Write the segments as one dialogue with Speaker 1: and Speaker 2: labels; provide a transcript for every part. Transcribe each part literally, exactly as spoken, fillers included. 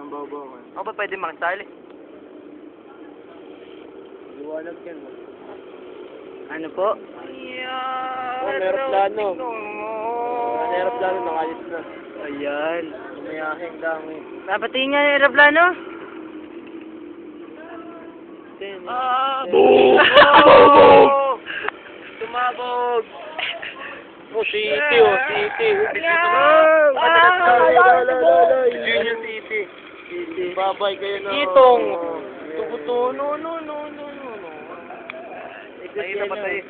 Speaker 1: Ang babaw.
Speaker 2: Ako ba pwede makisali?
Speaker 1: Liwanag yan.
Speaker 2: Ano po?
Speaker 1: Oh, meron plano. May aeroplano, nakalis na.
Speaker 2: Ayan.
Speaker 1: Umayahing dami.
Speaker 2: Napatingin nga yung aeroplano?
Speaker 1: Ah!
Speaker 2: Boom!
Speaker 1: Oh! Tumabog! Oh, City, oh, City.
Speaker 2: Ah!
Speaker 1: Junior City.
Speaker 2: City.
Speaker 1: Babay kayo na.
Speaker 2: Itong.
Speaker 1: Tubuto, no, no, no, no, no, no.
Speaker 2: Nakita pa tayo.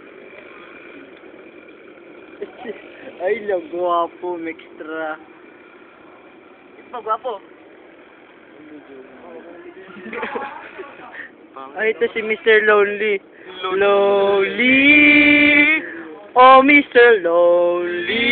Speaker 2: Ay, lang, guwapo, mextra. Ito pa, guwapo. Ay, ito si Mister Lonely. Lonely! Oh, Mister Lonely!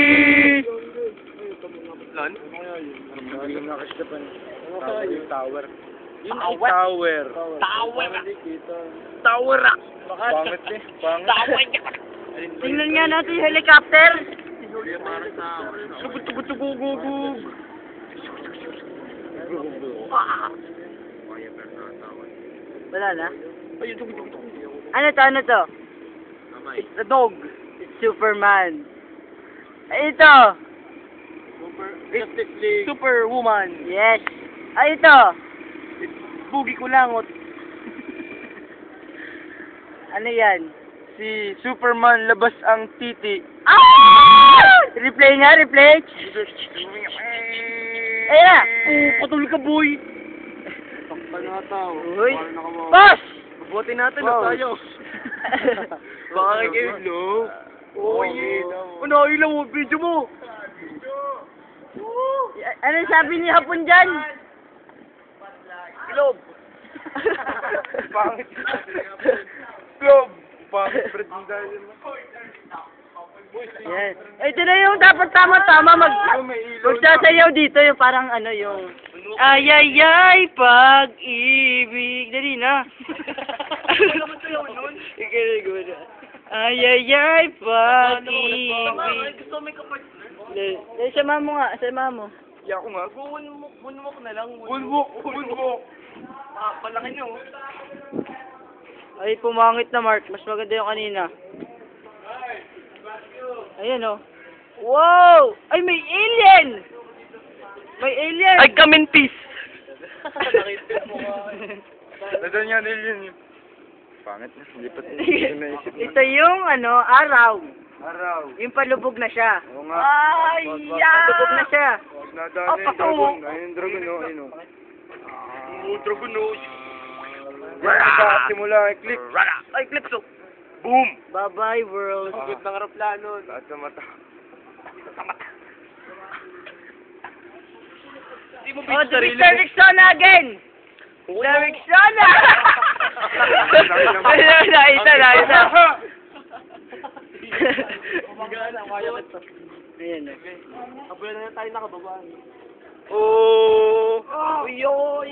Speaker 1: Lan? Hindi yung nakasdapan. Ano kaya yung tower? Yun ay
Speaker 2: Tower?
Speaker 1: tower.
Speaker 2: Tower!
Speaker 1: Kita.
Speaker 2: Tower!
Speaker 1: Pangit eh. Pangit.
Speaker 2: Tower! Tingnan nga natin yung helicopter.
Speaker 1: Tugutugutugugugug.
Speaker 2: Wala na?
Speaker 1: Ayun, tugutugutugug.
Speaker 2: Ano to? Ano to? It's the dog. It's Superman. Ay, ito.
Speaker 1: Super. Justice League.
Speaker 2: Superwoman. Yes. Ay, ito.
Speaker 1: Bugi ko langot.
Speaker 2: Ano yan?
Speaker 1: Si Superman labas ang titi.
Speaker 2: Ah! Replay nga, replay. Ayan na.
Speaker 1: Oh, patuloy ka, boy. Takpan na tao.
Speaker 2: Uy.
Speaker 1: Para nakawawa.
Speaker 2: Boss!
Speaker 1: Buti natin
Speaker 2: Boss.
Speaker 1: na tayo. Baka kayo, no? Oh, yeah. Ano, ilaw mo, video mo.
Speaker 2: Ano sabi ni Hapon dyan?
Speaker 1: Globe. Pangit. Globe. Pangit, Fred.
Speaker 2: Yes. Eh, ito na yung dapat tama-tama mag... Magsasayaw dito yung parang ano yung... Ay, ay, ay, pag-ibig. Dali na. Ikaw na. Ay, ay, ay, pag-ibig.
Speaker 1: Gusto may kapag...
Speaker 2: Dali, sama mo nga, sama mo.
Speaker 1: Iya ko nga. Bunwok, bunwok na lang. Bunwok, bunwok. Ah, palaki nyo.
Speaker 2: Ay, pumangit na, Mark. Mas maganda yung kanina. Ayan, oh. Wow! Ay, may alien! May alien!
Speaker 1: I come in peace. Nadal niya alien yun. Pangit na. Hindi pa naisip na.
Speaker 2: Ito yung, ano, araw.
Speaker 1: Araw.
Speaker 2: Yung palubog na siya.
Speaker 1: Oo nga.
Speaker 2: Ay, palubog na siya.
Speaker 1: Nadaan na yung dragon. Ayun yung dragon, no? Ayun, no? Oh, dragon, no? Sa simula, eclipse.
Speaker 2: Ay, clips, oh.
Speaker 1: Boom!
Speaker 2: Bye-bye, world.
Speaker 1: Sagot ng aeroplano. Lahat sa mata. Sa mata. Hindi mo
Speaker 2: Oh, the Mister Rexona again! Mister Rexona! Naisa, naisa. Ayan, oh.
Speaker 1: Kabulan na tayo nakababaan.
Speaker 2: Oh! Uyo!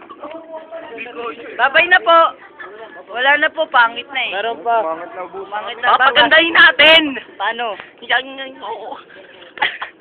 Speaker 2: Babay na po! Wala na po, pangit na eh.
Speaker 1: Meron pa. Pangit na bus.
Speaker 2: Pangit na.
Speaker 1: Papagandahin natin!
Speaker 2: Paano?
Speaker 1: Yan, yan, oo.